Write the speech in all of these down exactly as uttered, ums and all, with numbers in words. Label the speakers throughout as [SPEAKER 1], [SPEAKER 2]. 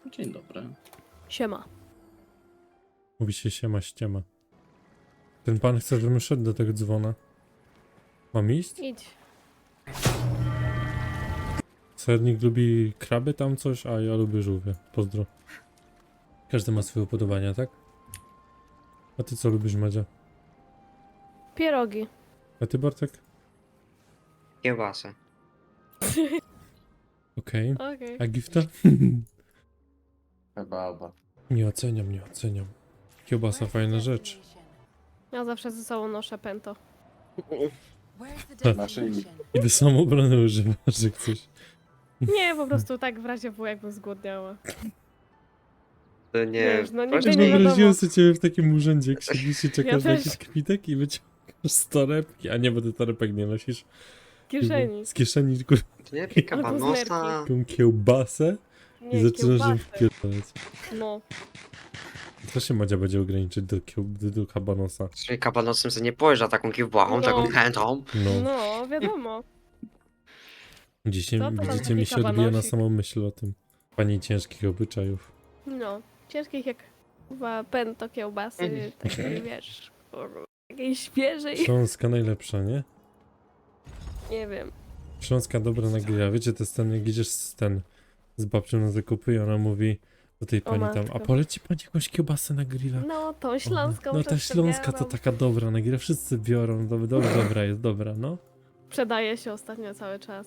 [SPEAKER 1] Dzień dobry.
[SPEAKER 2] Siema.
[SPEAKER 3] Mówi się siema ściema. Ten pan chce, żebym szedł do tego dzwona. Mam iść?
[SPEAKER 2] Idź.
[SPEAKER 3] Sernik lubi kraby tam coś, a ja lubię żółwie. Pozdro. Każdy ma swoje upodobania, tak? A ty co lubisz, Madzia?
[SPEAKER 2] Pierogi.
[SPEAKER 3] A ty, Bartek?
[SPEAKER 4] Kiełbasę.
[SPEAKER 3] Okej.
[SPEAKER 2] Okej.
[SPEAKER 3] A gifta?
[SPEAKER 1] Kebaba.
[SPEAKER 3] Nie oceniam, nie oceniam. Kiełbasa fajna rzecz.
[SPEAKER 2] Ja zawsze ze sobą noszę pęto.
[SPEAKER 1] Naszyjnik.
[SPEAKER 3] I do samoobrony używasz, że chcesz.
[SPEAKER 2] Nie, po prostu tak w razie W, jakbym zgłodniała.
[SPEAKER 4] To nie.
[SPEAKER 2] Wiesz, no
[SPEAKER 4] proszę
[SPEAKER 2] nigdy nie
[SPEAKER 4] mi-
[SPEAKER 2] wiadomo.
[SPEAKER 3] Wyobraziłem sobie ciebie w takim urzędzie, jak siedzisz i czekasz
[SPEAKER 2] Ja
[SPEAKER 3] na
[SPEAKER 2] też.
[SPEAKER 3] jakiś kwitek i wyciągasz z torebki. A nie, bo ty torebek nie nosisz.
[SPEAKER 2] W kieszeni.
[SPEAKER 3] Z kieszeni kurwa
[SPEAKER 4] To nie
[SPEAKER 2] Albo z
[SPEAKER 4] kabanosa.
[SPEAKER 3] taką kiełbasę i
[SPEAKER 2] Nie,
[SPEAKER 3] zaczynasz ją
[SPEAKER 2] kiełbasy.
[SPEAKER 3] wpierdalać.
[SPEAKER 2] No.
[SPEAKER 3] To się Madzia będzie ograniczyć do, kieł, do, do kabanosa.
[SPEAKER 4] Czyli kabanosem to nie pojeżdża taką kiełbachą,
[SPEAKER 2] No.
[SPEAKER 4] taką chętą.
[SPEAKER 3] No.
[SPEAKER 2] No, wiadomo.
[SPEAKER 3] Dzisiaj
[SPEAKER 2] Co to tam
[SPEAKER 3] widzicie
[SPEAKER 2] taki
[SPEAKER 3] mi się odbija na
[SPEAKER 2] kabanosik?
[SPEAKER 3] samą myśl o tym. Pani ciężkich obyczajów.
[SPEAKER 2] No. Ciężkich jak chyba pęto kiełbasy, takiej wiesz, kurwa, takiej świeżej.
[SPEAKER 3] Śląska najlepsza, nie?
[SPEAKER 2] Nie wiem.
[SPEAKER 3] Śląska dobra na grilla. Wiecie, to jest ten, jak idziesz z ten z babcią na zakupy i ona mówi do tej
[SPEAKER 2] O
[SPEAKER 3] pani tam, a
[SPEAKER 2] matko.
[SPEAKER 3] poleci pani jakąś kiełbasę na grilla?
[SPEAKER 2] No, tą śląską
[SPEAKER 3] No ta
[SPEAKER 2] wszyscy
[SPEAKER 3] śląska to
[SPEAKER 2] biorą.
[SPEAKER 3] taka dobra na grilla, wszyscy biorą, dobra, dobra, dobra jest, dobra, no.
[SPEAKER 2] Sprzedaje się ostatnio cały czas.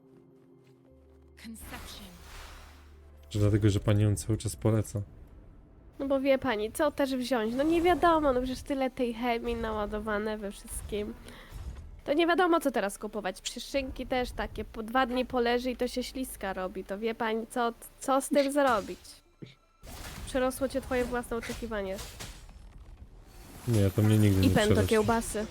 [SPEAKER 3] Że dlatego, że pani ją cały czas poleca.
[SPEAKER 2] No bo wie pani, co też wziąć? No nie wiadomo, no przecież tyle tej chemii naładowane we wszystkim. To nie wiadomo, co teraz kupować. Przyszynki też takie, po dwa dni poleży i to się śliska robi. To wie pani, co, co z tym zrobić? Przerosło cię twoje własne oczekiwanie.
[SPEAKER 3] Nie, to mnie nigdy
[SPEAKER 2] I
[SPEAKER 3] nie
[SPEAKER 2] pęto
[SPEAKER 3] przerosło.
[SPEAKER 2] kiełbasy.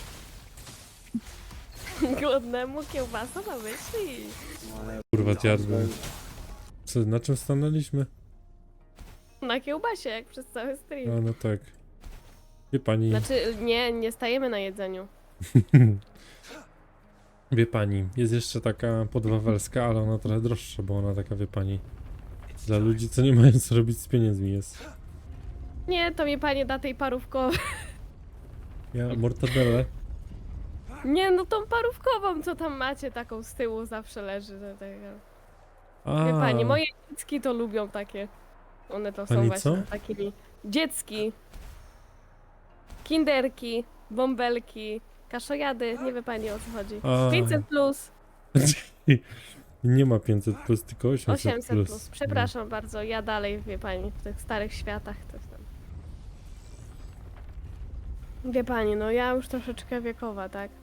[SPEAKER 2] Głodnemu kiełbasa na myśli.
[SPEAKER 3] Kurwa, zjadłem. Co, na czym stanęliśmy?
[SPEAKER 2] Na kiełbasie, jak przez cały stream.
[SPEAKER 3] A, no tak. Wie pani,
[SPEAKER 2] Znaczy, nie, nie stajemy na jedzeniu.
[SPEAKER 3] wie pani, jest jeszcze taka podwawelska, ale ona trochę droższa, bo ona taka, wie pani, dla ludzi, co nie mają co robić z pieniędzmi jest.
[SPEAKER 2] Nie, to mi pani da tej parówkowej.
[SPEAKER 3] Ja mortadelle.
[SPEAKER 2] Nie, no tą parówkową, co tam macie, taką z tyłu zawsze leży. Do tego.
[SPEAKER 3] A,
[SPEAKER 2] Wie pani, moje dziecki to lubią takie. One to są
[SPEAKER 3] Pani
[SPEAKER 2] właśnie
[SPEAKER 3] co?
[SPEAKER 2] takimi. Dziecki. Kinderki, bąbelki, kaszojady, nie wie pani o co chodzi.
[SPEAKER 3] A.
[SPEAKER 2] pięćset plus,
[SPEAKER 3] Nie ma pięćset plus, tylko osiemset,
[SPEAKER 2] osiemset
[SPEAKER 3] plus.
[SPEAKER 2] plus. Przepraszam bardzo, ja dalej, wie pani, w tych starych światach to tam. Wie pani, no ja już troszeczkę wiekowa, tak?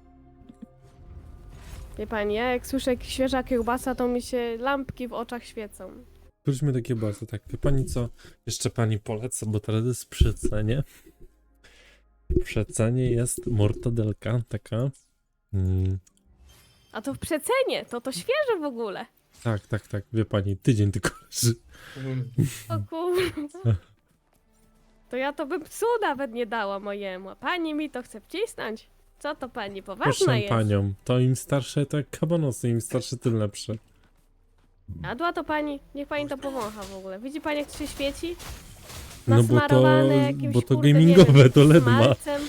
[SPEAKER 2] Wie pani, ja jak słyszę jak świeża kiełbasa, to mi się lampki w oczach świecą.
[SPEAKER 3] Wróćmy do kiełbasy, tak. Wie pani co? Jeszcze pani polecę, bo teraz jest przy cenie. Przy cenie jest mortadelka, taka. Mm,
[SPEAKER 2] A to w przecenie, to to świeże w ogóle.
[SPEAKER 3] tak, tak, tak. Wie pani, tydzień tylko leży.
[SPEAKER 2] O kurwa. To ja to bym psu nawet nie dała mojemu. A pani mi to chce wcisnąć? Co to pani, poważna
[SPEAKER 3] Proszę
[SPEAKER 2] jest?
[SPEAKER 3] panią, to im starsze, to jak kabanosy, im starsze, tym lepsze.
[SPEAKER 2] Jadła to pani? Niech pani to powącha w ogóle. Widzi pani jak to się świeci?
[SPEAKER 3] No bo to,
[SPEAKER 2] Nasmarowane jakimś,
[SPEAKER 3] bo to
[SPEAKER 2] kurde, nie
[SPEAKER 3] gamingowe,
[SPEAKER 2] wiem,
[SPEAKER 3] to L E D ma.
[SPEAKER 2] smalcem.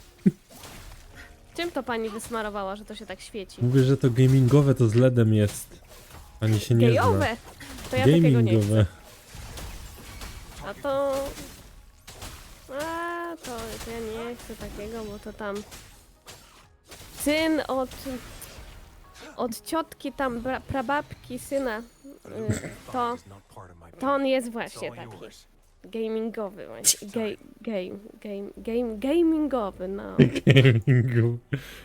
[SPEAKER 2] Czym to pani wysmarowała, że to się tak świeci?
[SPEAKER 3] Mówię, że to gamingowe, to z LEDem jest. Pani się nie
[SPEAKER 2] Gejowe!
[SPEAKER 3] zna.
[SPEAKER 2] To ja takiego nie chcę.
[SPEAKER 3] Gamingowe.
[SPEAKER 2] A to... A to, to ja nie chcę takiego, bo to tam... Syn od... Od ciotki tam, bra, prababki syna, y, to... To on jest właśnie taki. Gamingowy właśnie. Game, game, game, game, gamingowy, no.
[SPEAKER 3] Gamingowe.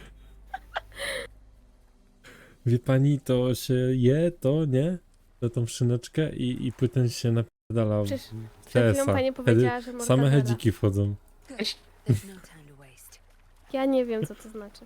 [SPEAKER 3] Wie pani, to się je, to nie? To tą szyneczkę i, i potem się napierdala w
[SPEAKER 2] Przecież Przed chwilą
[SPEAKER 3] T S A.
[SPEAKER 2] pani
[SPEAKER 3] Wtedy
[SPEAKER 2] powiedziała, że
[SPEAKER 3] same
[SPEAKER 2] mortadela.
[SPEAKER 3] hedziki wchodzą.
[SPEAKER 2] Ja nie wiem, co to znaczy.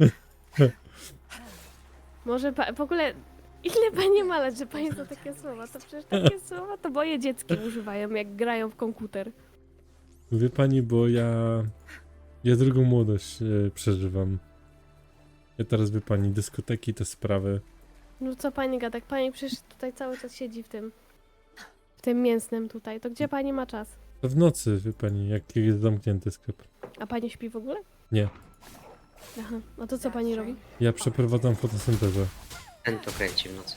[SPEAKER 2] Może pa, w ogóle... Ile pani ma lat, że pani zna takie słowa? To przecież takie słowa to moje dziecki używają, jak grają w komputer.
[SPEAKER 3] Wie pani, bo ja... Ja drugą młodość e, przeżywam. Ja teraz, wie pani, dyskoteki, te sprawy.
[SPEAKER 2] No co pani gada? Pani przecież tutaj cały czas siedzi w tym... W tym mięsnym tutaj. To gdzie pani ma czas?
[SPEAKER 3] To w nocy, wie pani, jak jest zamknięty sklep.
[SPEAKER 2] A pani śpi w ogóle?
[SPEAKER 3] Nie.
[SPEAKER 2] Aha. No to co pani robi?
[SPEAKER 3] Ja przeprowadzam fotosyntezę.
[SPEAKER 4] Ten to kręci w nocy.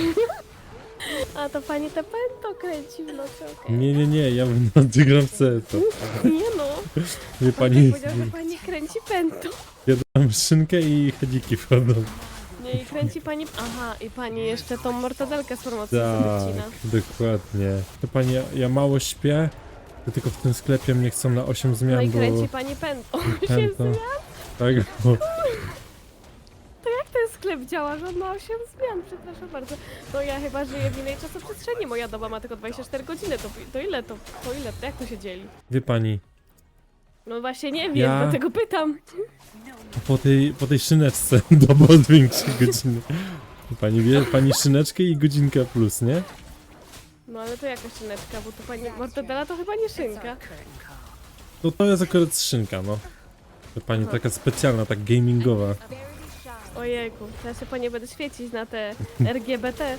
[SPEAKER 2] A to pani te pęto kręci w nocy, okej.
[SPEAKER 3] Nie, nie, nie, ja w nocy gram w C S.
[SPEAKER 2] Nie no.
[SPEAKER 3] Wie
[SPEAKER 2] Pani
[SPEAKER 3] pani,
[SPEAKER 2] powiedział, że pani kręci pęto.
[SPEAKER 3] jadam szynkę i chedziki wchodzą.
[SPEAKER 2] Nie, i kręci pani... Aha, i pani jeszcze tą mortadelkę z promocji wycina.
[SPEAKER 3] Tak, dokładnie. To pani, ja, ja mało śpię, to tylko w tym sklepie mnie chcą na osiem zmian,
[SPEAKER 2] No i
[SPEAKER 3] bo...
[SPEAKER 2] kręci pani pęto.
[SPEAKER 3] Pęto. Tak, bo...
[SPEAKER 2] Jak ten sklep działa, że on ma osiem zmian? Przepraszam bardzo. No ja chyba żyję w innej czasoprzestrzeni. Moja doba ma tylko dwadzieścia cztery godziny. To, to ile to? To ile? To jak to się dzieli?
[SPEAKER 3] Wie pani,
[SPEAKER 2] No właśnie nie wiem,
[SPEAKER 3] Ja-
[SPEAKER 2] dlatego pytam.
[SPEAKER 3] po tej, po tej szyneczce doba zwiększy godziny. Pani wie, pani szyneczkę i godzinkę plus, nie?
[SPEAKER 2] No ale to jaka szyneczka, bo to pani mortadela to chyba nie szynka.
[SPEAKER 3] No to jest akurat szynka, no. To pani
[SPEAKER 2] Aha.
[SPEAKER 3] taka specjalna, tak gamingowa.
[SPEAKER 2] Ojejku, to ja się po nie będę świecić na te R G B T.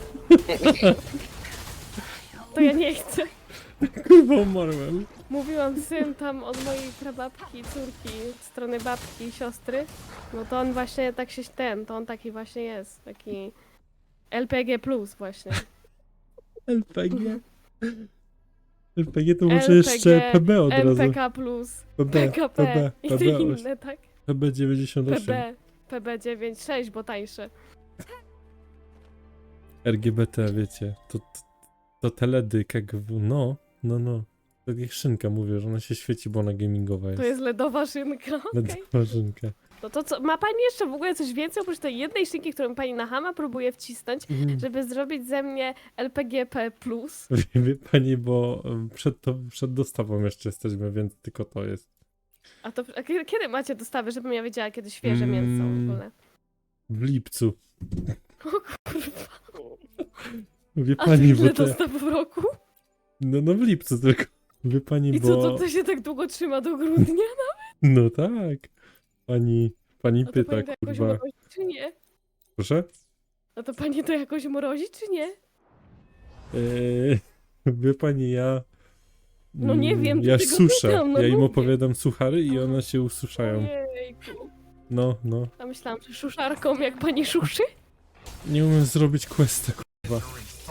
[SPEAKER 2] To ja nie chcę.
[SPEAKER 3] Kurwa, umarłem.
[SPEAKER 2] Mówiłam syn tam od mojej prababki, córki, od strony babki i siostry. No to on właśnie tak się ten, to on taki właśnie jest. Taki L P G plus właśnie.
[SPEAKER 3] L P G. L P G to
[SPEAKER 2] L
[SPEAKER 3] może
[SPEAKER 2] P G,
[SPEAKER 3] jeszcze P B od
[SPEAKER 2] M
[SPEAKER 3] razu.
[SPEAKER 2] P K plus,
[SPEAKER 3] P B,
[SPEAKER 2] P K
[SPEAKER 3] P
[SPEAKER 2] P
[SPEAKER 3] B,
[SPEAKER 2] i
[SPEAKER 3] P
[SPEAKER 2] te
[SPEAKER 3] B,
[SPEAKER 2] inne, tak?
[SPEAKER 3] P B dziewięćdziesiąt
[SPEAKER 2] P
[SPEAKER 3] osiem.
[SPEAKER 2] B, P B dziewięćdziesiąt sześć, bo tańsze.
[SPEAKER 3] R G B T, wiecie, to, to, to teledyk, jak w, no, no, no. Tak jak szynka mówię, że ona się świeci, bo ona gamingowa jest.
[SPEAKER 2] To jest ledowa szynka, okej.
[SPEAKER 3] Ledowa szynka.
[SPEAKER 2] No to co, ma pani jeszcze w ogóle coś więcej oprócz tej jednej szynki, którą pani na Hama próbuje wcisnąć,
[SPEAKER 3] Mhm.
[SPEAKER 2] żeby zrobić ze mnie L P G P plus?
[SPEAKER 3] Wie, wie pani, bo em, przed, to, przed dostawą jeszcze jesteśmy, więc tylko to jest.
[SPEAKER 2] A to a kiedy, kiedy macie dostawy, żebym ja wiedziała, kiedy świeże mięso w
[SPEAKER 3] Mm.
[SPEAKER 2] ogóle?
[SPEAKER 3] W lipcu.
[SPEAKER 2] O kurwa,
[SPEAKER 3] Wie
[SPEAKER 2] a to
[SPEAKER 3] pani, bo
[SPEAKER 2] ile
[SPEAKER 3] to...
[SPEAKER 2] dostaw w roku?
[SPEAKER 3] No, no w lipcu tylko. Wie pani,
[SPEAKER 2] I
[SPEAKER 3] bo...
[SPEAKER 2] co, to, to się tak długo trzyma do grudnia?
[SPEAKER 3] No tak. Pani, pani
[SPEAKER 2] A to
[SPEAKER 3] pyta,
[SPEAKER 2] pani to jakoś
[SPEAKER 3] kurwa.
[SPEAKER 2] mrozi, czy nie?
[SPEAKER 3] Proszę?
[SPEAKER 2] A to pani to jakoś mrozi, czy nie?
[SPEAKER 3] Eee, wie pani, ja...
[SPEAKER 2] No nie
[SPEAKER 3] mm,
[SPEAKER 2] wiem,
[SPEAKER 3] Ja
[SPEAKER 2] dlatego
[SPEAKER 3] suszę.
[SPEAKER 2] pytam, no
[SPEAKER 3] ja im
[SPEAKER 2] mówię.
[SPEAKER 3] opowiadam suchary i one się ususzają.
[SPEAKER 2] Ojejku.
[SPEAKER 3] No, no.
[SPEAKER 2] A myślałam, że szuszarką jak pani szuszy?
[SPEAKER 3] Nie umiem zrobić questa, kurwa.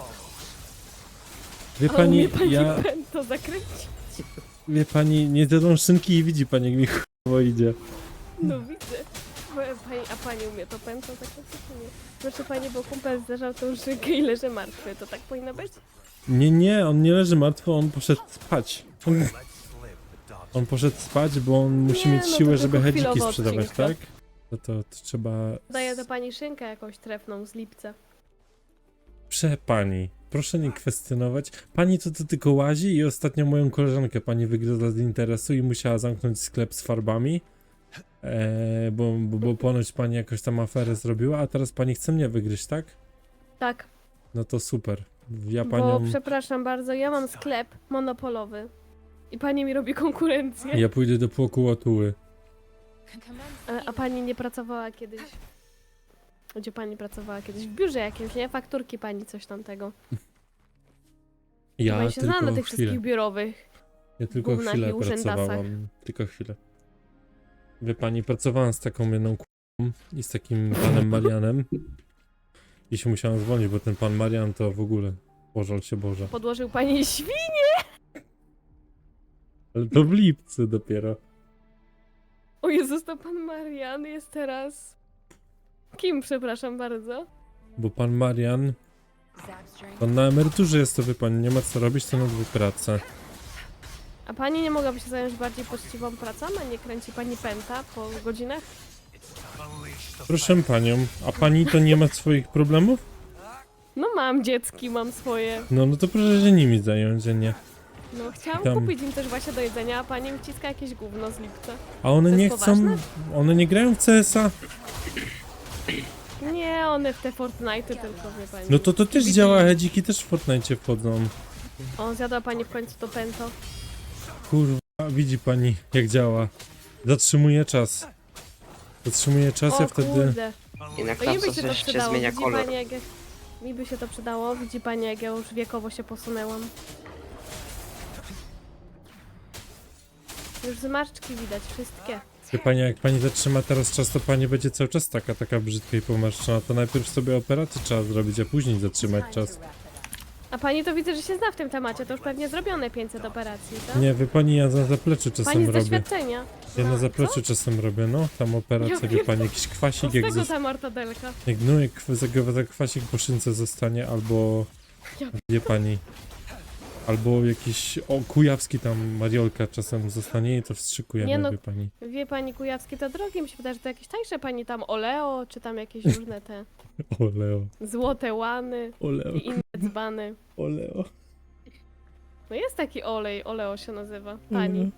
[SPEAKER 3] Wie
[SPEAKER 2] A umie
[SPEAKER 3] pani,
[SPEAKER 2] pani
[SPEAKER 3] ja...
[SPEAKER 2] pęto zakręcić?
[SPEAKER 3] Wie pani, nie zjadłam szynki i widzi pani, jak mi chujowo idzie.
[SPEAKER 2] No widzę. Bo Pani, a pani umie to pęto zakręcić, czy nie? Proszę pani, bo kumpel zderzał tą szynkę i leży martwy. To tak powinno być?
[SPEAKER 3] Nie, nie, on nie leży martwy, on poszedł spać. On, on poszedł spać, bo on musi
[SPEAKER 2] Nie,
[SPEAKER 3] mieć
[SPEAKER 2] no to
[SPEAKER 3] siłę,
[SPEAKER 2] tylko
[SPEAKER 3] żeby hedziki
[SPEAKER 2] chwilowo
[SPEAKER 3] sprzedawać,
[SPEAKER 2] odcinka.
[SPEAKER 3] tak? No to, to trzeba...
[SPEAKER 2] Daję do pani szynkę jakąś trefną z lipca.
[SPEAKER 3] Prze pani, proszę nie kwestionować. Pani to, to tylko łazi i ostatnio moją koleżankę pani wygryzła z interesu i musiała zamknąć sklep z farbami. Eee, bo, bo, bo ponoć pani jakoś tam aferę zrobiła, a teraz pani chce mnie wygryźć, tak?
[SPEAKER 2] Tak,
[SPEAKER 3] No to super. Ja
[SPEAKER 2] bo
[SPEAKER 3] panią...
[SPEAKER 2] przepraszam bardzo, ja mam sklep monopolowy. I pani mi robi konkurencję.
[SPEAKER 3] Ja pójdę do płoku Łatuły.
[SPEAKER 2] A, a pani nie pracowała kiedyś? Gdzie pani pracowała kiedyś? W biurze jakimś, nie? Fakturki pani coś tamtego.
[SPEAKER 3] Ja
[SPEAKER 2] pani się zna na
[SPEAKER 3] tylko
[SPEAKER 2] tych
[SPEAKER 3] chwilę.
[SPEAKER 2] wszystkich biurowych.
[SPEAKER 3] Ja tylko
[SPEAKER 2] gównach
[SPEAKER 3] chwilę
[SPEAKER 2] i urzędasach.
[SPEAKER 3] pracowałam. Tylko chwilę. Wie pani, pracowałam z taką jedną k***ą i z takim panem Marianem. I się musiałam zwolnić, bo ten pan Marian to w ogóle... Pożal się Boże.
[SPEAKER 2] Podłożył pani świn.
[SPEAKER 3] Ale to w lipcu dopiero.
[SPEAKER 2] O Jezus, to pan Marian jest teraz... Kim, przepraszam bardzo?
[SPEAKER 3] Bo pan Marian... Pan na emeryturze jest, to wie pani, nie ma co robić, to na dwie prace.
[SPEAKER 2] A pani nie mogłaby się zająć bardziej poczciwą pracą, a nie kręci pani pęta po godzinach?
[SPEAKER 3] Proszę panią, a pani to nie ma swoich problemów?
[SPEAKER 2] No mam dziecki, mam swoje.
[SPEAKER 3] No, no to proszę się nimi zająć, a nie.
[SPEAKER 2] No chciałam
[SPEAKER 3] Tam.
[SPEAKER 2] kupić im też właśnie do jedzenia, a pani mi wciska jakieś gówno z lipca.
[SPEAKER 3] A one
[SPEAKER 2] To
[SPEAKER 3] nie
[SPEAKER 2] jest
[SPEAKER 3] chcą...
[SPEAKER 2] poważne?
[SPEAKER 3] One nie grają w C S a?
[SPEAKER 2] Nie, one w te Fortnite'y tylko, wie pani.
[SPEAKER 3] No to to też
[SPEAKER 2] Widzisz?
[SPEAKER 3] działa, hedziki też w Fortnite wchodzą.
[SPEAKER 2] O, zjadła pani w końcu to pęto.
[SPEAKER 3] Kurwa, widzi pani jak działa. Zatrzymuje czas. Zatrzymuje czas,
[SPEAKER 2] O
[SPEAKER 3] ja wtedy...
[SPEAKER 2] kurde.
[SPEAKER 4] I na
[SPEAKER 2] To nie by
[SPEAKER 4] klatce
[SPEAKER 2] się to
[SPEAKER 4] też się
[SPEAKER 2] przydało,
[SPEAKER 4] zmienia
[SPEAKER 2] widzi
[SPEAKER 4] kolor.
[SPEAKER 2] pani jak... jak- Mi by się to przydało. Widzi pani, jak ja już wiekowo się posunęłam. Już zmarszczki widać, wszystkie.
[SPEAKER 3] Wie pani, jak pani zatrzyma teraz czas, to pani będzie cały czas taka, taka brzydka i pomarszczona. To najpierw sobie operację trzeba zrobić, a później zatrzymać czas.
[SPEAKER 2] A pani to widzę, że się zna w tym temacie. To już pewnie zrobione pięćset operacji, tak?
[SPEAKER 3] Nie, wie pani, ja na zapleczu
[SPEAKER 2] Pani
[SPEAKER 3] czasem
[SPEAKER 2] z
[SPEAKER 3] robię.
[SPEAKER 2] doświadczenia.
[SPEAKER 3] Ja na zapleczu czasem robię, no. Tam operację,
[SPEAKER 2] Ja
[SPEAKER 3] wie pani, jakiś
[SPEAKER 2] Co
[SPEAKER 3] kwasik,
[SPEAKER 2] z
[SPEAKER 3] jak,
[SPEAKER 2] tego
[SPEAKER 3] zos-
[SPEAKER 2] ta mortadelka?
[SPEAKER 3] jak, no, jak za- za kwasik po szynce zostanie, albo,
[SPEAKER 2] Ja-
[SPEAKER 3] wie pani, albo jakiś, o, kujawski tam Mariolka czasem zostanie i to wstrzykujemy,
[SPEAKER 2] Nie no,
[SPEAKER 3] wie pani.
[SPEAKER 2] Wie pani, kujawskie to drogie. Mi się wydaje, że to jakieś tańsze pani tam oleo, czy tam jakieś różne te
[SPEAKER 3] Oleo,
[SPEAKER 2] złote łany
[SPEAKER 3] oleo,
[SPEAKER 2] i inne dzbany.
[SPEAKER 3] oleo.
[SPEAKER 2] No jest taki olej, oleo się nazywa, pani.
[SPEAKER 3] Mhm.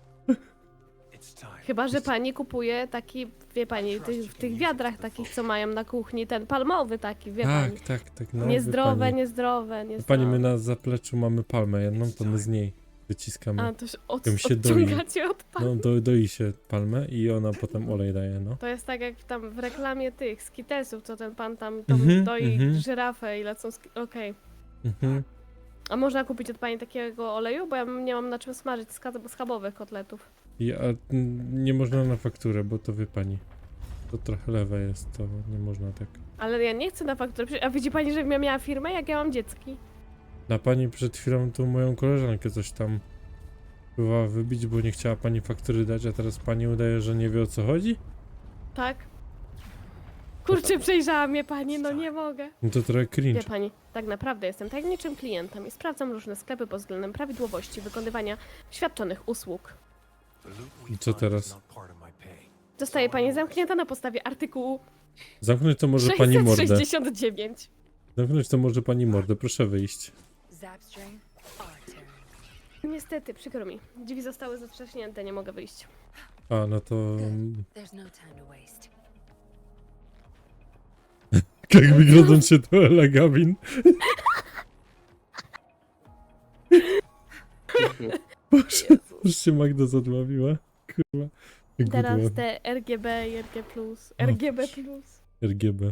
[SPEAKER 2] Chyba, że pani kupuje taki, wie pani, tych, w tych wiadrach takich, co mają na kuchni, ten palmowy taki, wie pani.
[SPEAKER 3] Tak, tak, tak, no, wie
[SPEAKER 2] Niezdrowe,
[SPEAKER 3] pani.
[SPEAKER 2] niezdrowe, niezdrowe.
[SPEAKER 3] Pani, my na zapleczu mamy palmę jedną, to my z niej wyciskamy.
[SPEAKER 2] A, to się, od,
[SPEAKER 3] Tym się doi.
[SPEAKER 2] odciągacie od pani.
[SPEAKER 3] No, do, doi się palmę i ona potem olej daje, no.
[SPEAKER 2] To jest tak jak tam w reklamie tych skitesów, co ten pan tam, tam
[SPEAKER 3] Mhm,
[SPEAKER 2] doi
[SPEAKER 3] mhm.
[SPEAKER 2] żyrafę i lecą ski- okej.
[SPEAKER 3] Mhm.
[SPEAKER 2] A można kupić od pani takiego oleju? Bo ja nie mam na czym smażyć ska- schabowych kotletów.
[SPEAKER 3] I, a mm, nie można na fakturę, bo to wie pani. To trochę lewe jest, to nie można tak.
[SPEAKER 2] Ale ja nie chcę na fakturę. Przecież- A widzi pani, że ja miała firmę, jak ja mam dziecki?
[SPEAKER 3] Na pani przed chwilą tu moją koleżankę coś tam próbowała wybić, bo nie chciała pani faktury dać, a teraz pani udaje, że nie wie o co chodzi?
[SPEAKER 2] Tak? Kurczę, przejrzała mnie pani, no nie mogę.
[SPEAKER 3] No to trochę cringe.
[SPEAKER 2] Wie pani, tak naprawdę jestem tajemniczym klientem i sprawdzam różne sklepy pod względem prawidłowości wykonywania świadczonych usług.
[SPEAKER 3] I co teraz?
[SPEAKER 2] Zostaje pani zamknięta na podstawie artykułu
[SPEAKER 3] Zamknąć to może pani mordę.
[SPEAKER 2] sześćset sześćdziesiąt dziewięć.
[SPEAKER 3] Zamknąć to może pani mordę, proszę wyjść.
[SPEAKER 1] Zapstring, Arcturn.
[SPEAKER 2] Niestety, przykro mi. Drzwi zostały zatrzaśnięte, nie mogę wyjść.
[SPEAKER 3] A, no to... mm,
[SPEAKER 1] There's no time to waste.
[SPEAKER 3] Jak wygląda się to Ela Gavin? Boże, już się Magda zadławiła. Kurwa. Jak
[SPEAKER 2] Teraz
[SPEAKER 3] gudła.
[SPEAKER 2] te R G B i R G plus. R G B plus.
[SPEAKER 3] R G B.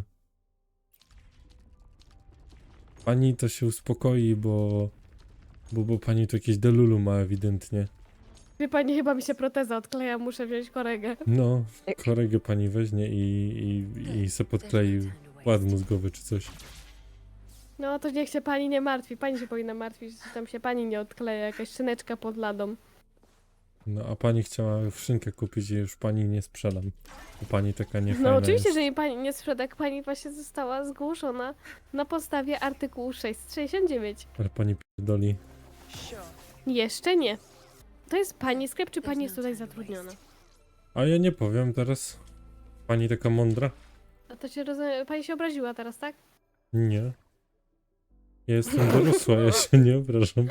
[SPEAKER 3] Pani to się uspokoi, bo... Bo, bo pani tu jakieś delulu ma ewidentnie.
[SPEAKER 2] Wie pani, chyba mi się proteza odkleja, muszę wziąć koregę.
[SPEAKER 3] No, koregę pani weźmie i, i, i se podklei ład mózgowy czy coś.
[SPEAKER 2] No to niech się pani nie martwi. Pani się powinna martwić, że tam się pani nie odkleja. Jakaś szyneczka pod ladą.
[SPEAKER 3] No, a pani chciała szynkę kupić i już pani nie sprzedam. Bo pani taka niefajna
[SPEAKER 2] No oczywiście,
[SPEAKER 3] jest.
[SPEAKER 2] że mi pani nie sprzeda, jak pani właśnie została zgłoszona na podstawie artykułu sześćset sześćdziesiąt dziewięć.
[SPEAKER 3] Ale pani pierdoli.
[SPEAKER 2] Jeszcze nie. To jest pani sklep, czy pani jest tutaj zatrudniona?
[SPEAKER 3] A ja nie powiem teraz. Pani taka mądra?
[SPEAKER 2] A to się rozumie, pani się obraziła teraz, tak?
[SPEAKER 3] Nie. Ja jestem dorosła, ja się nie obrażam.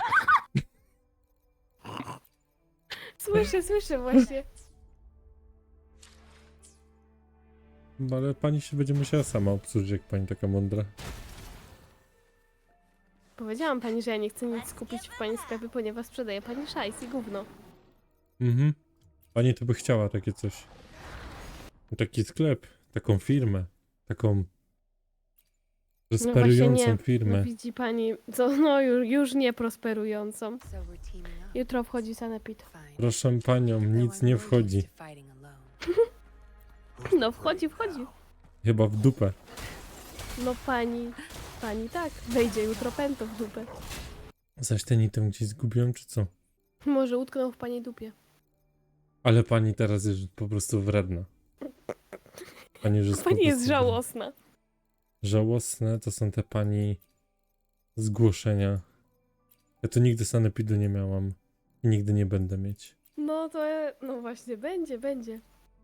[SPEAKER 2] Słyszę, słyszę właśnie.
[SPEAKER 3] Ale pani się będzie musiała sama obsłużyć, jak pani taka mądra.
[SPEAKER 2] Powiedziałam pani, że ja nie chcę nic kupić w pani sklepie, ponieważ sprzedaje pani szajs i gówno.
[SPEAKER 3] Mhm. Pani to by chciała takie coś. Taki sklep, taką firmę, taką prosperującą
[SPEAKER 2] nie.
[SPEAKER 3] firmę.
[SPEAKER 2] No widzi pani, co, no już, już nie prosperującą.
[SPEAKER 1] So we're teaming up.
[SPEAKER 2] Jutro wchodzi sanepid.
[SPEAKER 1] Fine.
[SPEAKER 3] Proszę panią,
[SPEAKER 1] Though
[SPEAKER 3] nic
[SPEAKER 1] I'm
[SPEAKER 3] nie
[SPEAKER 1] more used
[SPEAKER 3] wchodzi.
[SPEAKER 1] to fighting alone.
[SPEAKER 2] No wchodzi, wchodzi.
[SPEAKER 3] Chyba w dupę.
[SPEAKER 2] No pani, pani tak, wejdzie jutro pęto w dupę.
[SPEAKER 3] Zaś ten item gdzieś zgubiłem, czy co?
[SPEAKER 2] Może utknął w pani dupie.
[SPEAKER 3] Ale pani teraz jest po prostu wredna. Pani już jest po
[SPEAKER 2] Pani jest
[SPEAKER 3] prostu
[SPEAKER 2] żałosna.
[SPEAKER 3] wredna. Żałosne to są te pani zgłoszenia. Ja to nigdy sanepidu nie miałam. I nigdy nie będę mieć.
[SPEAKER 2] No to, no właśnie, będzie, będzie.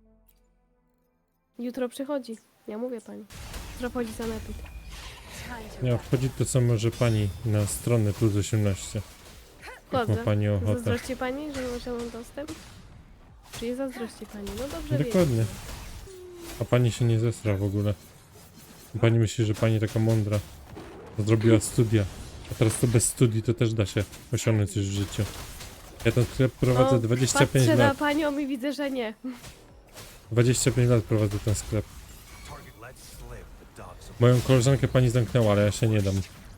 [SPEAKER 2] Jutro przychodzi, ja mówię pani. Jutro wchodzi sanepid.
[SPEAKER 1] Time to
[SPEAKER 3] Ja
[SPEAKER 1] wrap.
[SPEAKER 3] wchodzi to samo, że pani na stronę plus osiemnaście. Jak ma
[SPEAKER 2] Wchodzę.
[SPEAKER 3] pani ochotę.
[SPEAKER 2] Zazdrości pani, że może mam dostęp? Czy nie zazdrości pani? No dobrze wiedzieć.
[SPEAKER 3] Dokładnie. A pani się nie zesra w ogóle. Pani myśli, że pani taka mądra. Zrobiła studia. A teraz to bez studii to też da się osiągnąć coś w życiu. Ja ten sklep prowadzę
[SPEAKER 2] No,
[SPEAKER 3] dwadzieścia pięć
[SPEAKER 2] Patrzę na
[SPEAKER 3] lat.
[SPEAKER 2] panią i widzę, że nie.
[SPEAKER 3] dwadzieścia pięć lat prowadzę ten sklep. Moją koleżankę pani zamknęła, ale ja się nie dam.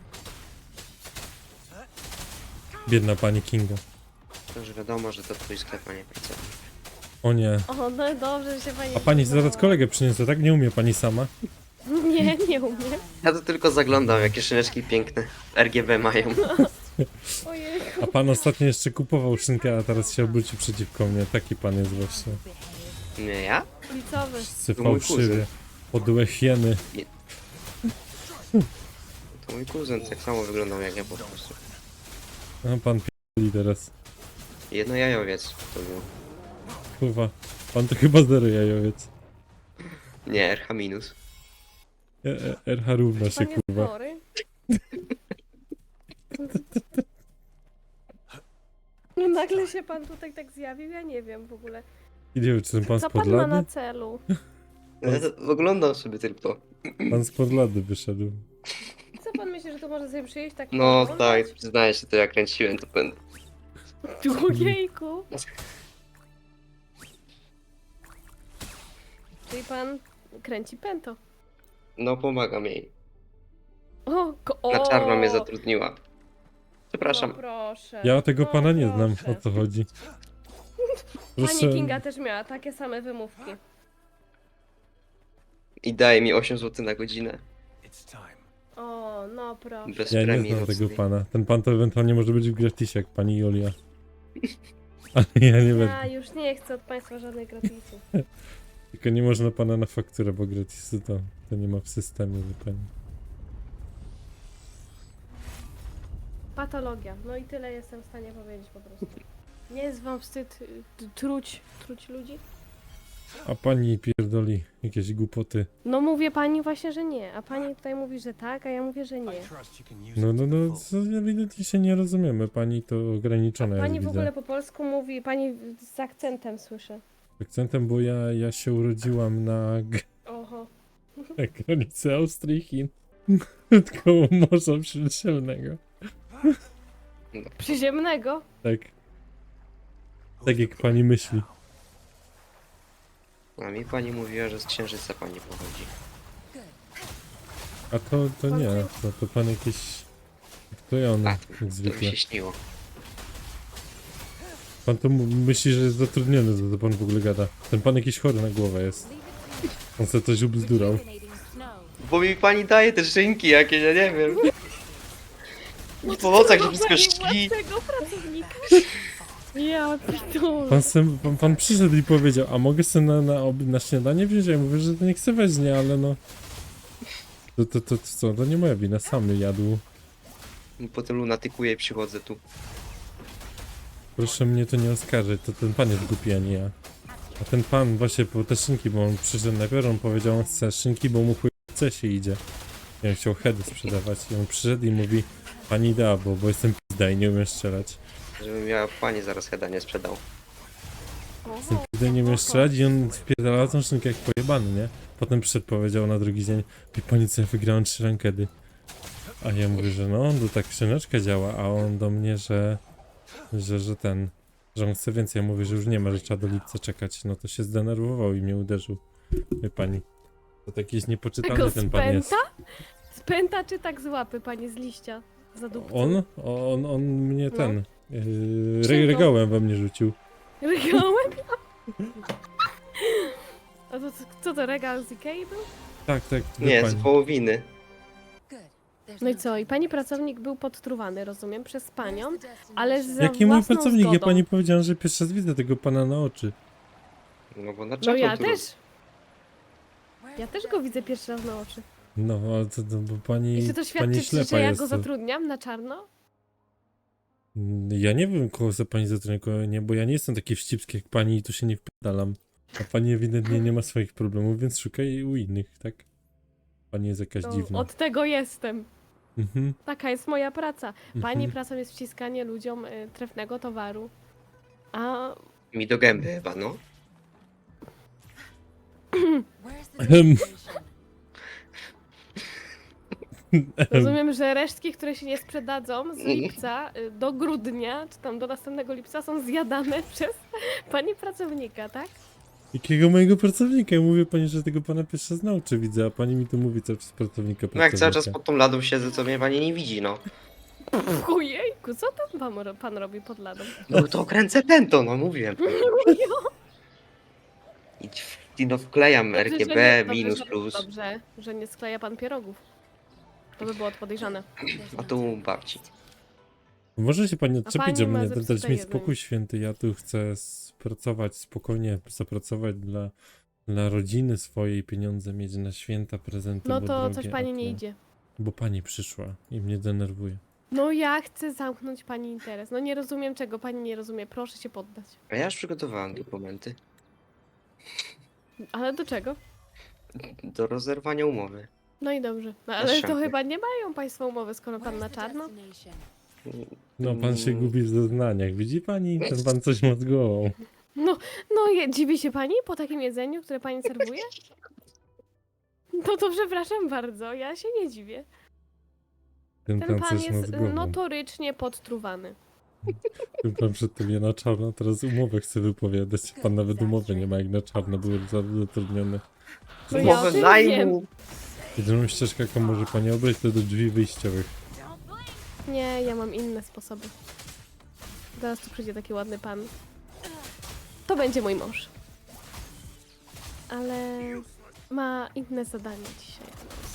[SPEAKER 3] Biedna pani Kinga.
[SPEAKER 4] To już wiadomo, że to twój sklep, a nie pracownik.
[SPEAKER 3] O nie.
[SPEAKER 2] O, no dobrze, że się pani...
[SPEAKER 3] A pani
[SPEAKER 2] przyznała.
[SPEAKER 3] zaraz kolegę przyniosę, tak? Nie umie pani sama?
[SPEAKER 2] Nie, nie umiem.
[SPEAKER 4] Ja to tylko zaglądam, jakie szyneczki piękne R G B mają.
[SPEAKER 2] Ojej.
[SPEAKER 3] A pan ostatnio jeszcze kupował szynkę, a teraz się obróci przeciwko mnie. Taki pan jest właśnie.
[SPEAKER 4] Nie ja?
[SPEAKER 2] Ulicowy.
[SPEAKER 3] Wszyscy
[SPEAKER 4] To mój
[SPEAKER 3] fałszywie.
[SPEAKER 4] kuzyn.
[SPEAKER 3] Podłe hieny.
[SPEAKER 4] To mój kuzyn tak samo wyglądał jak ja po prostu.
[SPEAKER 3] A pan p***li teraz.
[SPEAKER 4] Jedno jajowiec to był.
[SPEAKER 3] Kurwa. Pan to chyba zero jajowiec.
[SPEAKER 4] Nie, R H minus.
[SPEAKER 3] E, e, R H równa się,
[SPEAKER 2] Pan jest
[SPEAKER 3] kurwa.
[SPEAKER 2] chory? No nagle się pan tutaj tak zjawił, ja nie wiem w ogóle.
[SPEAKER 3] I nie wiem, czy ten pan
[SPEAKER 2] Co
[SPEAKER 3] z
[SPEAKER 2] pan ma na
[SPEAKER 3] Podlady?
[SPEAKER 2] celu?
[SPEAKER 4] Ja to oglądam sobie tylko.
[SPEAKER 3] Pan z Podlady wyszedł.
[SPEAKER 2] Co pan myśli, że to może sobie przyjść tak
[SPEAKER 4] No
[SPEAKER 2] pooglądać?
[SPEAKER 4] tak, przyznaję się, to jak kręciłem, to będę.
[SPEAKER 2] Ojejku. Czyli pan kręci pęto.
[SPEAKER 4] No pomagam jej.
[SPEAKER 2] O, ko- o!
[SPEAKER 4] Na czarno mnie zatrudniła. Przepraszam.
[SPEAKER 2] No proszę.
[SPEAKER 3] Ja tego
[SPEAKER 2] no
[SPEAKER 3] pana nie znam,
[SPEAKER 2] proszę.
[SPEAKER 3] o co chodzi.
[SPEAKER 2] Pani Kinga też miała takie same wymówki.
[SPEAKER 4] I daje mi osiem złotych na godzinę.
[SPEAKER 2] O, no proszę.
[SPEAKER 4] Bez
[SPEAKER 3] Ja nie
[SPEAKER 4] premii
[SPEAKER 3] znam tego
[SPEAKER 4] nocnej.
[SPEAKER 3] pana. Ten pan to ewentualnie może być w gratisie, jak pani Julia. Ale ja nie
[SPEAKER 2] Ja
[SPEAKER 3] będę.
[SPEAKER 2] już nie chcę od państwa żadnej gratisu.
[SPEAKER 3] Tylko nie można pana na fakturę, bo gratisy to, to nie ma w systemie zupełnie.
[SPEAKER 2] Patologia. No i tyle jestem w stanie powiedzieć po prostu. Nie jest wam wstyd y, t- truć, truć ludzi?
[SPEAKER 3] A pani pierdoli jakieś głupoty.
[SPEAKER 2] No mówię pani właśnie, że nie, a pani tutaj mówi, że tak, a ja mówię, że nie.
[SPEAKER 3] No, no, no, co, ewidentnie się nie rozumiemy. Pani to ograniczona
[SPEAKER 2] Pani
[SPEAKER 3] jest,
[SPEAKER 2] w ogóle
[SPEAKER 3] widzę.
[SPEAKER 2] po polsku mówi, pani z akcentem słyszę.
[SPEAKER 3] Akcentem, bo ja, ja się urodziłam na, g-
[SPEAKER 2] Oho.
[SPEAKER 3] na granicy Austrii i Chin. Koło Morza Śródziemnego.
[SPEAKER 2] Przyziemnego?
[SPEAKER 3] Tak. Tak jak pani myśli.
[SPEAKER 4] A mi pani mówiła, że z księżyca pani pochodzi.
[SPEAKER 3] A to, to nie, to, to pan jakiś wklejony,
[SPEAKER 4] A,
[SPEAKER 3] jak
[SPEAKER 4] To mi
[SPEAKER 3] zwykle.
[SPEAKER 4] się śniło.
[SPEAKER 3] Pan to mu- myśli, że jest zatrudniony, to, to pan w ogóle gada. Ten pan jakiś chory na głowę jest. On sobie coś ubzdurał.
[SPEAKER 4] Bo mi pani daje te szynki jakieś, ja nie wiem. Po nocach się wszystko śni.
[SPEAKER 2] Tego pracownika? Ja pitole.
[SPEAKER 3] Pan, sem, pan, pan przyszedł i powiedział, a mogę sobie na, na, obi- na śniadanie wziąć? Ja mówię, że to nie chcę weźmie, ale no... To, to, to, to co, to nie moja wina, sam jadł.
[SPEAKER 4] Potem lunatykuję i przychodzę tu.
[SPEAKER 3] Proszę mnie to nie oskarżyć, to ten pan jest głupi, a nie ja. A ten pan właśnie po te szynki, bo on przyszedł najpierw, on powiedział, on chce szynki, bo mu chuj chce się idzie. Ja bym chciał heady sprzedawać i on przyszedł i mówi, pani da, bo, bo jestem pizda i nie umiem strzelać.
[SPEAKER 4] Żebym ja pani zaraz heada nie sprzedał.
[SPEAKER 3] Jestem pizda i nie umiem strzelać i on wpierdalał tą szynkę jak pojebany, nie? Potem przyszedł, powiedział na drugi dzień, wie pani co, ja wygrałem trzy rankedy. A ja mówię, że no, to tak szyneczka działa, a on do mnie, że, że, że ten, że on chce więcej. Ja mówię, że już nie ma, że trzeba do lipca czekać. No to się zdenerwował i mnie uderzył. Wie pani, to taki jest niepoczytany
[SPEAKER 2] Tego
[SPEAKER 3] ten pan jest.
[SPEAKER 2] spęta? Spęta czy tak z łapy, pani z liścia? Za dupcą.
[SPEAKER 3] On? On, on mnie
[SPEAKER 2] No.
[SPEAKER 3] ten, yy,
[SPEAKER 2] Czym
[SPEAKER 3] re,
[SPEAKER 2] to?
[SPEAKER 3] regałem we mnie rzucił.
[SPEAKER 2] Regałem? A to co, co to, regał z Ikei był?
[SPEAKER 3] Tak, tak, wie
[SPEAKER 4] Nie, z
[SPEAKER 3] pani.
[SPEAKER 4] wołowiny.
[SPEAKER 2] No i co? I pani pracownik był podtruwany, rozumiem, przez panią, ale za
[SPEAKER 3] Jaki mój
[SPEAKER 2] własną
[SPEAKER 3] pracownik? Ja
[SPEAKER 2] zgodą.
[SPEAKER 3] pani powiedziałem, że pierwszy raz widzę tego pana na oczy.
[SPEAKER 4] No bo na
[SPEAKER 2] No
[SPEAKER 4] czapę
[SPEAKER 2] ja
[SPEAKER 4] tu-
[SPEAKER 2] też. Ja też go widzę pierwszy raz na oczy.
[SPEAKER 3] No, ale to, to bo pani,
[SPEAKER 2] I czy to
[SPEAKER 3] pani
[SPEAKER 2] świadczy,
[SPEAKER 3] ślepa
[SPEAKER 2] że ja
[SPEAKER 3] jest.
[SPEAKER 2] go
[SPEAKER 3] to-
[SPEAKER 2] zatrudniam na czarno?
[SPEAKER 3] Ja nie wiem, kogo za pani zatrudnia, kogo nie, bo ja nie jestem taki wścibski jak pani i tu się nie wpadalam. A pani ewidentnie nie ma swoich problemów, więc szukaj u innych, tak? Pani jest jakaś
[SPEAKER 2] No,
[SPEAKER 3] dziwna.
[SPEAKER 2] od tego jestem.
[SPEAKER 3] Mhm,
[SPEAKER 2] Taka jest moja praca. Pani
[SPEAKER 3] mhm.
[SPEAKER 2] pracą jest wciskanie ludziom y, trefnego towaru. A
[SPEAKER 4] Mi do gęby chyba, no.
[SPEAKER 3] Ehem.
[SPEAKER 2] rozumiem, że resztki, które się nie sprzedadzą z lipca y, do grudnia, czy tam do następnego lipca są zjadane przez pani pracownika, tak?
[SPEAKER 3] Jakiego mojego pracownika? Ja mówię pani, że tego pana pierwszy raz nauczę, widzę, a pani mi tu mówi cały czas pracownika,
[SPEAKER 4] No jak cały czas
[SPEAKER 3] pracownika.
[SPEAKER 4] pod tą ladą siedzę, to mnie pani nie widzi, no.
[SPEAKER 2] Ojejku, co tam pan, ro- pan robi pod ladą?
[SPEAKER 4] No to kręcę pęto, no mówiłem. I, i no wklejam R
[SPEAKER 2] Dobrze,
[SPEAKER 4] G
[SPEAKER 2] że
[SPEAKER 4] B,
[SPEAKER 2] nie- dobrze,
[SPEAKER 4] minus,
[SPEAKER 2] że-
[SPEAKER 4] plus.
[SPEAKER 2] Dobrze, że nie skleja pan pierogów. To by było podejrzane.
[SPEAKER 1] There's
[SPEAKER 4] A
[SPEAKER 1] no
[SPEAKER 4] tu
[SPEAKER 1] time
[SPEAKER 4] u babci.
[SPEAKER 3] Może się pani odczepić,
[SPEAKER 2] pani
[SPEAKER 3] że
[SPEAKER 2] ma
[SPEAKER 3] mnie
[SPEAKER 2] zepsute
[SPEAKER 3] dać mi
[SPEAKER 2] jedzenie.
[SPEAKER 3] spokój święty, ja tu chcę pracować spokojnie, zapracować dla, dla rodziny swojej, pieniądze mieć na święta, prezenty,
[SPEAKER 2] No
[SPEAKER 3] bo
[SPEAKER 2] to
[SPEAKER 3] drogie,
[SPEAKER 2] coś
[SPEAKER 3] a
[SPEAKER 2] pani nie
[SPEAKER 3] tu-
[SPEAKER 2] idzie.
[SPEAKER 3] Bo pani przyszła i mnie denerwuje.
[SPEAKER 2] No ja chcę zamknąć pani interes. No nie rozumiem czego pani nie rozumie. Proszę się poddać.
[SPEAKER 4] A ja już przygotowałem dokumenty
[SPEAKER 2] Ale do czego?
[SPEAKER 4] do rozerwania umowy.
[SPEAKER 2] No i dobrze. No ale to
[SPEAKER 4] szampy.
[SPEAKER 2] chyba nie mają państwo umowy, skoro pan
[SPEAKER 1] Where's
[SPEAKER 2] na
[SPEAKER 1] the
[SPEAKER 2] czarno.
[SPEAKER 1] destination?
[SPEAKER 3] No pan się
[SPEAKER 4] Mm,
[SPEAKER 3] gubi w zeznaniach, widzi pani? Ten pan coś ma z głową.
[SPEAKER 2] No, no je, dziwi się pani po takim jedzeniu, które pani serwuje? No to przepraszam bardzo, ja się nie dziwię.
[SPEAKER 3] Ten,
[SPEAKER 2] Ten
[SPEAKER 3] pan
[SPEAKER 2] pan
[SPEAKER 3] coś ma z
[SPEAKER 2] jest
[SPEAKER 3] głową.
[SPEAKER 2] notorycznie podtruwany.
[SPEAKER 3] Ten pan przedtem ja na czarno, teraz umowę chce wypowiadać. Pan nawet umowy nie ma, jak na czarno były za- zatrudnione.
[SPEAKER 2] No ja o
[SPEAKER 4] Umowę
[SPEAKER 2] tym
[SPEAKER 4] najmu.
[SPEAKER 3] Jedyną ścieżkę, jaką może pani obrać, to do drzwi wyjściowych.
[SPEAKER 2] Nie, ja mam inne sposoby. Zaraz tu przyjdzie taki ładny pan. To będzie mój mąż. Ale ma inne zadanie dzisiaj.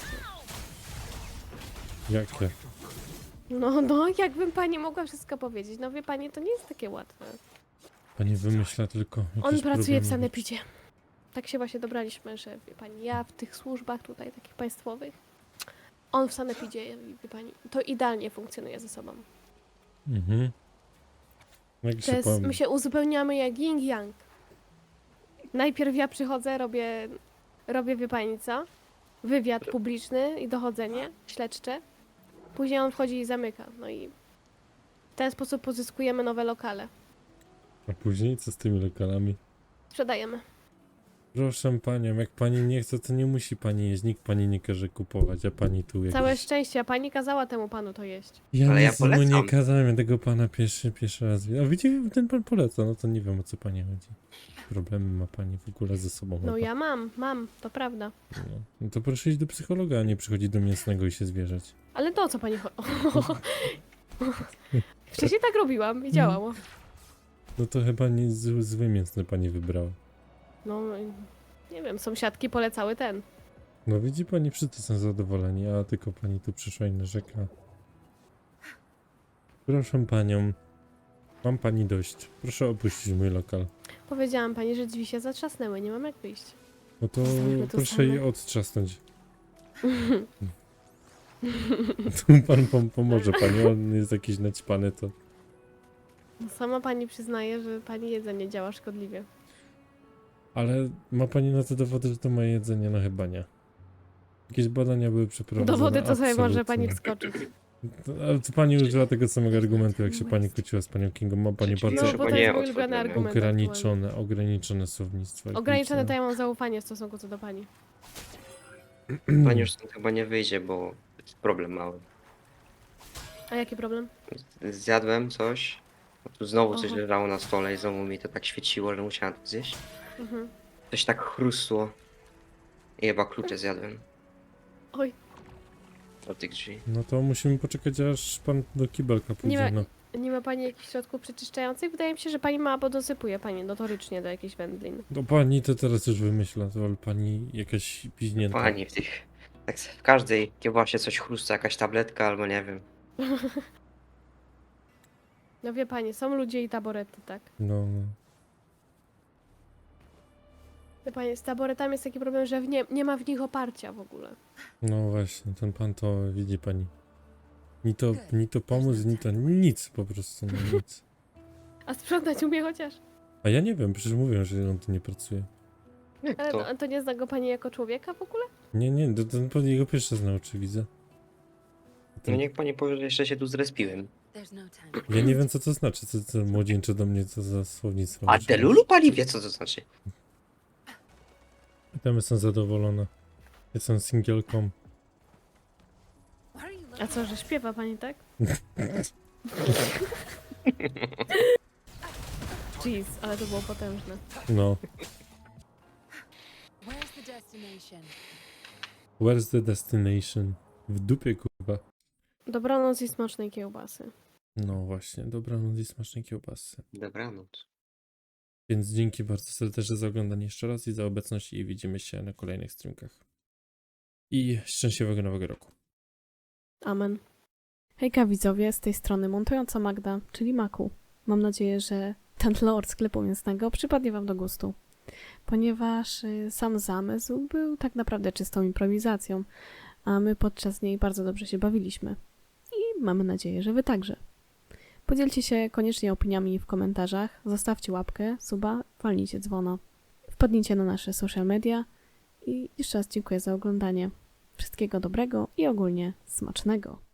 [SPEAKER 3] Jakie?
[SPEAKER 2] No, no, jakbym pani mogła wszystko powiedzieć. No wie pani, to nie jest takie łatwe.
[SPEAKER 3] Pani wymyśla tylko jakieś
[SPEAKER 2] On pracuje w
[SPEAKER 3] problemy.
[SPEAKER 2] sanepidzie. Tak się właśnie dobraliśmy, że wie pani, ja w tych służbach tutaj takich państwowych, on w sanepidzie, wie pani, to idealnie funkcjonuje ze sobą.
[SPEAKER 3] Mhm. Jak
[SPEAKER 2] To
[SPEAKER 3] się
[SPEAKER 2] jest,
[SPEAKER 3] powiem,
[SPEAKER 2] my się uzupełniamy jak yin yang. Najpierw ja przychodzę, robię, robię wie pani co? Wywiad publiczny i dochodzenie śledcze. Później on wchodzi i zamyka. No i w ten sposób pozyskujemy nowe lokale.
[SPEAKER 3] a później co z tymi lokalami?
[SPEAKER 2] Sprzedajemy.
[SPEAKER 3] Proszę panią, jak pani nie chce, to nie musi pani jeść, nikt pani nie każe kupować, a pani tu jakieś...
[SPEAKER 2] Całe szczęście, a pani kazała temu panu to jeść.
[SPEAKER 3] Ja
[SPEAKER 4] Ale ja
[SPEAKER 3] nic mu nie
[SPEAKER 4] polecam.
[SPEAKER 3] kazałem, ja tego pana pierwszy, pierwszy raz widzę. A widzicie, ten pan poleca, no to nie wiem, o co pani chodzi. Problemy ma pani w ogóle ze sobą.
[SPEAKER 2] No
[SPEAKER 3] chyba.
[SPEAKER 2] ja mam, mam, to prawda.
[SPEAKER 3] No. No to proszę iść do psychologa, a nie przychodzić do mięsnego i się zwierzać.
[SPEAKER 2] Ale to o co pani chodzi? Wcześniej tak robiłam i działało.
[SPEAKER 3] No to chyba nie zły, zły mięsny pani wybrała.
[SPEAKER 2] No, nie wiem, sąsiadki polecały ten.
[SPEAKER 3] No widzi pani, wszyscy są zadowoleni, a tylko pani tu przyszła i narzeka. Proszę panią, mam pani dość. Proszę opuścić mój lokal.
[SPEAKER 2] Powiedziałam pani, że drzwi się zatrzasnęły, nie mam jak wyjść.
[SPEAKER 3] No to
[SPEAKER 2] Zostawmy to
[SPEAKER 3] proszę
[SPEAKER 2] same.
[SPEAKER 3] je odtrzasnąć. Tu pan pom pomoże pani, on jest jakiś naćpany, to...
[SPEAKER 2] No, sama pani przyznaje, że pani jedzenie działa szkodliwie.
[SPEAKER 3] Ale ma pani na to dowody, że to moje jedzenie? No chyba nie. Jakieś badania były przeprowadzone.
[SPEAKER 2] Dowody to sobie może
[SPEAKER 3] absolutnie.
[SPEAKER 2] pani wskoczyć.
[SPEAKER 3] To, ale to pani użyła tego samego argumentu, jak się pani kłóciła z panią Kingą. Ma pani
[SPEAKER 4] Przeciwnie,
[SPEAKER 3] bardzo
[SPEAKER 2] No, bo to
[SPEAKER 4] nie
[SPEAKER 2] jest mój
[SPEAKER 4] otworzone.
[SPEAKER 2] ulubiony argument. aktualnie.
[SPEAKER 3] ograniczone, ograniczone słownictwo.
[SPEAKER 2] Ograniczone to ja mam zaufanie w stosunku co do pani.
[SPEAKER 4] Pani już stąd chyba nie wyjdzie, bo jest problem mały.
[SPEAKER 2] A jaki problem?
[SPEAKER 4] Zjadłem coś, a tu znowu coś
[SPEAKER 2] Aha.
[SPEAKER 4] leżało na stole i znowu mi to tak świeciło, że musiałem to zjeść.
[SPEAKER 2] Mhm.
[SPEAKER 4] Coś tak chrustło. I chyba klucze zjadłem
[SPEAKER 2] Oj,
[SPEAKER 4] od tych drzwi.
[SPEAKER 3] No to musimy poczekać, aż pan do kibelka pójdzie.
[SPEAKER 2] ma-
[SPEAKER 3] No.
[SPEAKER 2] nie ma pani jakichś środków przeczyszczających? Wydaje mi się, że pani ma, albo dosypuje pani notorycznie do jakichś wędlin.
[SPEAKER 3] Do pani to teraz już wymyśla, to ale pani jakaś piźnięta.
[SPEAKER 4] Pani w tych... Tak w każdej kiełbasie coś chrusta, jakaś tabletka albo nie wiem.
[SPEAKER 2] No wie pani, są ludzie i taborety, tak?
[SPEAKER 3] No, no.
[SPEAKER 2] Wie pani, z taboretami jest taki problem, że w nie, nie ma w nich oparcia w ogóle.
[SPEAKER 3] No właśnie, ten pan to widzi pani. Ni to, ni to pomóc, ni to nic po prostu, no nic.
[SPEAKER 2] A sprzątać umie chociaż.
[SPEAKER 3] A ja nie wiem, przecież mówią, że on tu nie pracuje.
[SPEAKER 4] Jak
[SPEAKER 2] Ale
[SPEAKER 4] to?
[SPEAKER 2] to, to nie zna go pani jako człowieka w ogóle?
[SPEAKER 3] Nie, nie, to ten pan jego pierwszy raz na oczy widzę.
[SPEAKER 4] No
[SPEAKER 3] Ten,
[SPEAKER 4] niech pani powie, że jeszcze się tu zrespiłem.
[SPEAKER 1] There's no time.
[SPEAKER 3] ja nie wiem, co to znaczy, co, co młodzieńcze do mnie, co za słownictwo.
[SPEAKER 4] A
[SPEAKER 3] używasz.
[SPEAKER 4] Delulu pani wie co to znaczy.
[SPEAKER 3] Tam jestem zadowolona. Jestem singielką.
[SPEAKER 1] Why are you
[SPEAKER 2] A
[SPEAKER 1] looking?
[SPEAKER 2] co, że śpiewa pani, tak? Jeez, ale to było potężne.
[SPEAKER 3] No.
[SPEAKER 1] destination.
[SPEAKER 3] Where's the destination? W dupie, kurwa.
[SPEAKER 2] Dobranoc i smacznej kiełbasy.
[SPEAKER 3] No właśnie, dobranoc i smacznej kiełbasy.
[SPEAKER 4] Dobranoc.
[SPEAKER 3] Więc dzięki bardzo serdecznie za oglądanie jeszcze raz i za obecność i widzimy się na kolejnych streamkach. I szczęśliwego nowego roku.
[SPEAKER 2] Amen. Hejka widzowie, z tej strony montująca Magda, czyli Maku. Mam nadzieję, że ten lore sklepu mięsnego przypadnie wam do gustu. Ponieważ y, sam zamysł był tak naprawdę czystą improwizacją, a my podczas niej bardzo dobrze się bawiliśmy. I mamy nadzieję, że wy także. Podzielcie się koniecznie opiniami w komentarzach, zostawcie łapkę, suba, walnijcie dzwona. Wpadnijcie na nasze social media i jeszcze raz dziękuję za oglądanie. Wszystkiego dobrego i ogólnie smacznego.